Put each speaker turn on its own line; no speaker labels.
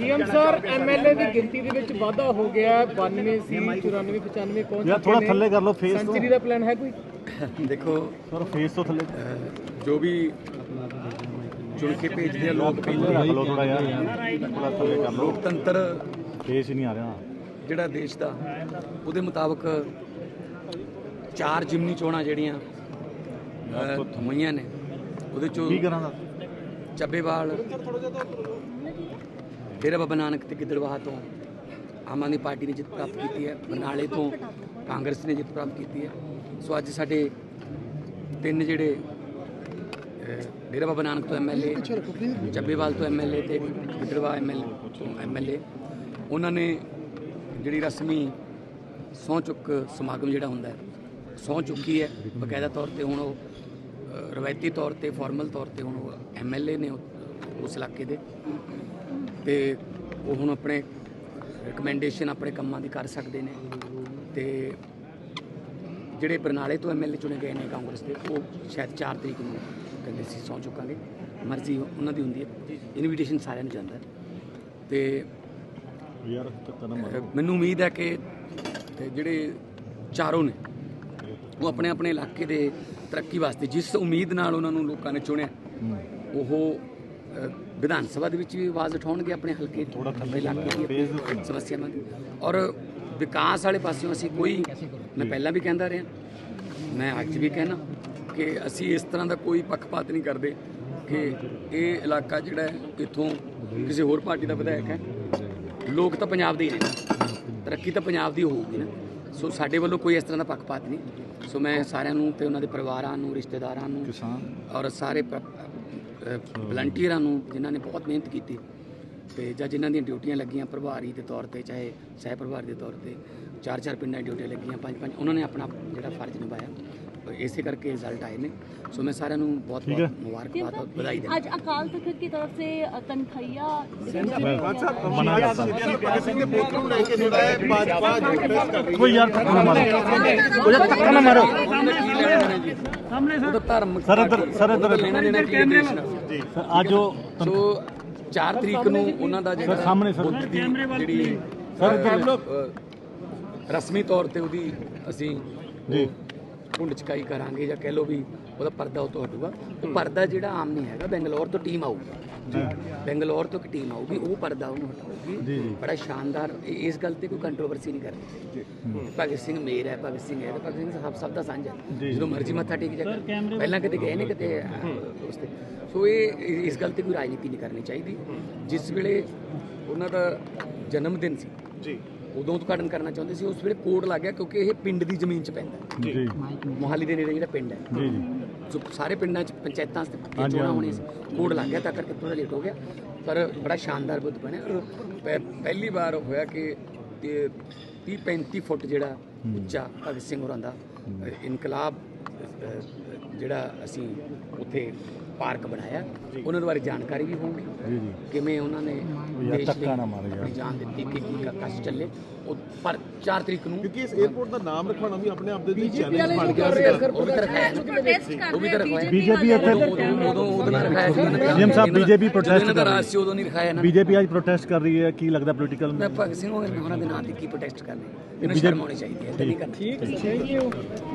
CM sir MLA की गिनती ਦੇ ਵਿੱਚ ਵਾਧਾ ਹੋ ਗਿਆ 92 ਸੀ 94 95 ਪਹੁੰਚ
ਯਾਰ ਥੋੜਾ ਥੱਲੇ ਕਰ ਲਓ ਫੇਸ ਤੋਂ
ਸੈਂਚਰੀ ਦਾ ਪਲਾਨ ਹੈ ਕੋਈ
देखो
ਸਰ ਫੇਸ ਤੋਂ ਥੱਲੇ
जो भी चुन के भेजते हैं लोग
ਥੱਲੇ ਰੱਖ ਲਓ ਥੋੜਾ ਯਾਰ ਥੋੜਾ ਥੱਲੇ ਕਰ ਲਓ
लोकतंत्र
ਫੇਸ ਹੀ ਨਹੀਂ ਆ ਰਿਹਾ
ਜਿਹੜਾ ਦੇਸ਼ ਦਾ ਉਹਦੇ ਮੁਤਾਬਕ 4 ਜਿਮਨੀ ਚੋਣਾਂ ਜਿਹੜੀਆਂ ਹੋਈਆਂ ਨੇ ਉਹਦੇ ਚੋਂ
ਕੀ ਕਰਾਂ ਦਾ
ਚੱਬੇਵਾਲ ਡੇਰਾ ਬਾਬਾ ਨਾਨਕ ਤੇ ਗਿੱਦੜਬਾਹਾ ਤੋਂ ਆਮ ਆਦਮੀ ਪਾਰਟੀ ਨੇ ਜਿੱਤ ਪ੍ਰਾਪਤ ਕੀਤੀ ਹੈ ਬਰਨਾਲੇ ਤੋਂ ਕਾਂਗਰਸ ਨੇ ਜਿੱਤ ਪ੍ਰਾਪਤ ਕੀਤੀ ਹੈ ਸੋ ਅੱਜ ਸਾਡੇ ਤਿੰਨ ਜਿਹੜੇ ਡੇਰਾ ਬਾਬਾ ਨਾਨਕ ਤੋਂ ਐਮਐਲਏ ਚੱਬੇਵਾਲ ਤੋਂ ਐਮਐਲਏ ਤੇ ਗਿੱਦੜਬਾਹਾ ਐਮਐਲਏ ਉਹਨਾਂ ਨੇ ਜਿਹੜੀ ਰਸਮੀ ਸਹੁੰ ਚੁੱਕ ਸਮਾਗਮ ਜਿਹੜਾ ਹੁੰਦਾ ਹੈ ਸਹੁੰ ਚੁੱਕੀ ਹੈ ਬਕਾਇਦਾ ਤੌਰ ਤੇ ਹੁਣ ਉਹ ਰਵਾਇਤੀ ਤੌਰ ਤੇ ਫਾਰਮਲ ਤੌਰ ਤੇ ਹੁਣ ਉਹ ਐਮਐਲਏ ਨੇ ਉਸ ਇਲਾਕੇ ਦੇ ਤੇ ਉਹ ਹੁਣ ਆਪਣੇ ਰਿਕਮੈਂਡੇਸ਼ਨ ਆਪਣੇ ਕੰਮਾਂ ਦੀ ਕਰ ਸਕਦੇ ਨੇ ਤੇ ਜਿਹੜੇ ਬਰਨਾਲੇ ਤੋਂ ਐਮਐਲਏ ਚੁਣੇ ਗਏ ਨੇ ਕਾਂਗਰਸ ਦੇ ਉਹ ਸ਼ਾਇਦ 4 ਤਰੀਕ ਨੂੰ ਕਹਿੰਦੇ ਸੀ ਸਹੁੰ ਚੁੱਕਾਂਗੇ ਮਰਜ਼ੀ ਉਹਨਾਂ ਦੀ ਹੁੰਦੀ ਹੈ ਇਨਵੀਟੇਸ਼ਨ ਸਾਰਿਆਂ ਨੂੰ ਜਾਂਦਾ ਤੇ
ਯਾਰ
ਮੈਨੂੰ ਉਮੀਦ ਹੈ ਕਿ ਜਿਹੜੇ ਚਾਰੋਂ ਨੇ ਉਹ ਆਪਣੇ ਆਪਣੇ ਇਲਾਕੇ ਦੇ ਤਰੱਕੀ ਵਾਸਤੇ ਜਿਸ ਉਮੀਦ ਨਾਲ ਉਹਨਾਂ ਨੂੰ ਲੋਕਾਂ ਨੇ ਚੁਣਿਆ ਉਹ ਵਿਧਾਨ ਸਭਾ ਦੇ ਵਿੱਚ ਵੀ ਆਵਾਜ਼ ਉਠਾਉਣਗੇ ਆਪਣੇ ਹਲਕੇ ਆਪਣੇ ਇਲਾਕੇ ਦੀ ਸਮੱਸਿਆਵਾਂ ਦੀ ਔਰ ਵਿਕਾਸ ਵਾਲੇ ਪਾਸਿਓਂ ਅਸੀਂ ਕੋਈ ਮੈਂ ਪਹਿਲਾਂ ਵੀ ਕਹਿੰਦਾ ਰਿਹਾ ਮੈਂ ਅੱਜ ਵੀ ਕਹਿਣਾ ਕਿ ਅਸੀਂ ਇਸ ਤਰ੍ਹਾਂ ਦਾ ਕੋਈ ਪੱਖਪਾਤ ਨਹੀਂ ਕਰਦੇ ਕਿ ਇਹ ਇਲਾਕਾ ਜਿਹੜਾ ਹੈ ਇੱਥੋਂ ਕਿਸੇ ਹੋਰ ਪਾਰਟੀ ਦਾ ਵਿਧਾਇਕ ਹੈ ਲੋਕ ਤਾਂ ਪੰਜਾਬ ਦੇ ਹੀ ਨੇ ਤਰੱਕੀ ਤਾਂ ਪੰਜਾਬ ਦੀ ਹੋਊਗੀ ਨਾ ਸੋ ਸਾਡੇ ਵੱਲੋਂ ਕੋਈ ਇਸ ਤਰ੍ਹਾਂ ਦਾ ਪੱਖਪਾਤ ਨਹੀਂ ਸੋ ਮੈਂ ਸਾਰਿਆਂ ਨੂੰ ਤੇ ਉਹਨਾਂ ਦੇ ਪਰਿਵਾਰਾਂ ਨੂੰ ਰਿਸ਼ਤੇਦਾਰਾਂ ਨੂੰ ਔਰ ਸਾਰੇ ਵਲੰਟੀਅਰਾਂ ਨੂੰ ਜਿਨ੍ਹਾਂ ਨੇ ਬਹੁਤ ਮਿਹਨਤ ਕੀਤੀ ਤੇ ਜਾਂ ਜਿਨ੍ਹਾਂ ਦੀਆਂ ਡਿਊਟੀਆਂ ਲੱਗੀਆਂ ਪ੍ਰਭਾਰੀ ਦੇ ਤੌਰ ਤੇ ਚਾਹੇ ਸਹਿ ਪ੍ਰਭਾਰੀ ਦੇ ਤੌਰ ਤੇ 4-4 ਪਿੰਡਾਂ ਦੀ ਡਿਊਟੀਆਂ ਲੱਗੀਆਂ 5-5 ਉਹਨਾਂ ਨੇ ਆਪਣਾ ਜਿਹੜਾ ਫਰਜ਼ ਨਿਭਾਇਆ ਇਸੇ करके रिजल्ट आए ने सो मैं सारे बहुत बहुत मुबारकबाद और बधाई देता
आज अकाल तख्त की तरफ से तनख्वाहियां
कोई यार धक्का ना मारो धक्का ना मारो सर इधर
लेना देना की देश ਨਾਲ
जी आज जो
ਸੋ 4 ਤਰੀਕ ਨੂੰ ਉਹਨਾਂ ਦਾ ਜਿਹੜਾ
ਸਾਹਮਣੇ ਸਰ
ਜਿਹੜੀ ਰਸਮੀ ਤੌਰ ਤੇ ਉਹਦੀ ਅਸੀਂ
ਜੀ
ਕੁੰਡ ਚਕਾਈ ਕਰਾਂਗੇ ਜਾਂ ਕਹਿ ਲਓ ਵੀ ਉਹਦਾ ਪਰਦਾ ਉਤੋਂ ਹਟੂਗਾ ਪਰਦਾ ਜਿਹੜਾ ਆਮ ਨਹੀਂ ਹੈਗਾ ਬੈਂਗਲੌਰ ਤੋਂ ਟੀਮ ਆਊਗੀ ਬੈਂਗਲੌਰ ਤੋਂ ਇੱਕ ਟੀਮ ਆਊਗੀ ਉਹ ਪਰਦਾ ਉਹਨੂੰ ਹਟਾਊਗੀ ਬੜਾ ਸ਼ਾਨਦਾਰ ਇਸ ਗੱਲ ਤੇ ਕੋਈ ਕੰਟਰੋਵਰਸੀ ਨਹੀਂ ਕਰਨੀ ਭਗਤ ਸਿੰਘ ਮੇਰ ਹੈ ਭਗਤ ਸਿੰਘ ਹੈ ਭਗਤ ਸਿੰਘ ਸਭ ਦਾ ਸਾਂਝਾ ਜਦੋਂ ਮਰਜ਼ੀ ਮੱਥਾ ਟੇਕ ਜਾ ਪਹਿਲਾਂ ਕਿਤੇ ਗਏ ਨੇ ਕਿਤੇ ਉਸ ਤੇ ਸੋ ਇਹ ਇਸ ਗੱਲ ਤੇ ਕੋਈ ਰਾਜਨੀਤੀ ਨਹੀਂ ਕਰਨੀ ਚਾਹੀਦੀ ਜਿਸ ਵੇਲੇ ਉਹਨਾਂ ਦਾ ਜਨਮ ਦਿਨ ਸੀ ਜੀ ਉਦੋਂ ਉਦਘਾਟਨ ਕਰਨਾ ਚਾਹੁੰਦੇ ਸੀ ਉਸ ਵੇਲੇ ਕੋਡ ਲੱਗ ਗਿਆ ਕਿਉਂਕਿ ਇਹ ਪਿੰਡ ਦੀ ਜ਼ਮੀਨ 'ਚ ਪੈਂਦਾ ਜੀ ਮੋਹਾਲੀ ਦੇ ਨੇੜੇ ਜਿਹੜਾ ਪਿੰਡ ਹੈ ਜੀ ਜੀ ਜੋ ਸਾਰੇ ਪਿੰਡਾਂ 'ਚ ਪੰਚਾਇਤਾਂ ਚੋਣਾਂ ਹੋਣੀਆਂ ਸੀ ਕੋਡ ਲੱਗ ਗਿਆ ਤਾਂ ਕਰਕੇ ਥੋੜਾ ਲੇਟ ਹੋ ਗਿਆ ਪਰ ਬੜਾ ਸ਼ਾਨਦਾਰ ਬੁੱਧ ਬਣਿਆ ਔਰ ਪਹਿਲੀ ਵਾਰ ਹੋਇਆ ਕਿ 30-35 ਫੁੱਟ ਜਿਹੜਾ ਉੱਚਾ ਭਗਤ ਸਿੰਘ ਹੋਰਾਂ ਦਾ ਇਨਕਲਾਬ ਜਿਹੜਾ ਅਸੀਂ ਉੱਥੇ ਪਾਰਕ ਬਣਾਇਆ ਉਹਨਾਂ ਦੇ ਬਾਰੇ ਜਾਣਕਾਰੀ ਵੀ ਹੋਊਗੀ ਕਿਵੇਂ ਉਹਨਾਂ ਨੇ ਦੇਸ਼ ਲਈ ਜਾਨ ਦਿੱਤੀ ਕਿ ਕੀ ਕਸ਼ ਚੱਲੇ ਉਹ ਪਰ 4 ਤਰੀਕ ਨੂੰ
ਕਿਉਂਕਿ ਇਸ 에어ਪੋਰਟ ਦਾ ਨਾਮ ਰੱਖਣਾ ਵੀ ਆਪਣੇ ਆਪ ਦੇ ਚੈਲੰਜ ਬਣ ਗਿਆ
ਉਹ ਵੀ ਤਾਂ ਰਖਾਇਆ ਉਹ ਵੀ ਤਾਂ ਰਖਾਇਆ
बीजेपी
ਉਦੋਂ ਨਾਲ ਰਖਾਇਆ ਸੀ
सीएम साहब बीजेपी प्रोटेस्ट
ਦਾ ਰਾਜ ਸੀ ਉਦੋਂ ਨਹੀਂ ਰਖਾਇਆ ਨਾ
बीजेपी आज प्रोटेस्ट कर रही है की लगता पॉलिटिकल
ਮੈਂ ਭਗਤ ਸਿੰਘ ਹੋਰਾਂ ਦੇ ਨਾਂ ਤੇ ਕੀ ਪ੍ਰੋਟੈਸਟ ਕਰਨੇ ਇਹਨਾਂ ਸ਼ਰਮ ਆਉਣੀ ਚਾਹੀਦੀ ਹੈ ਨਹੀਂ ਕਰਨਾ
ठीक थैंक यू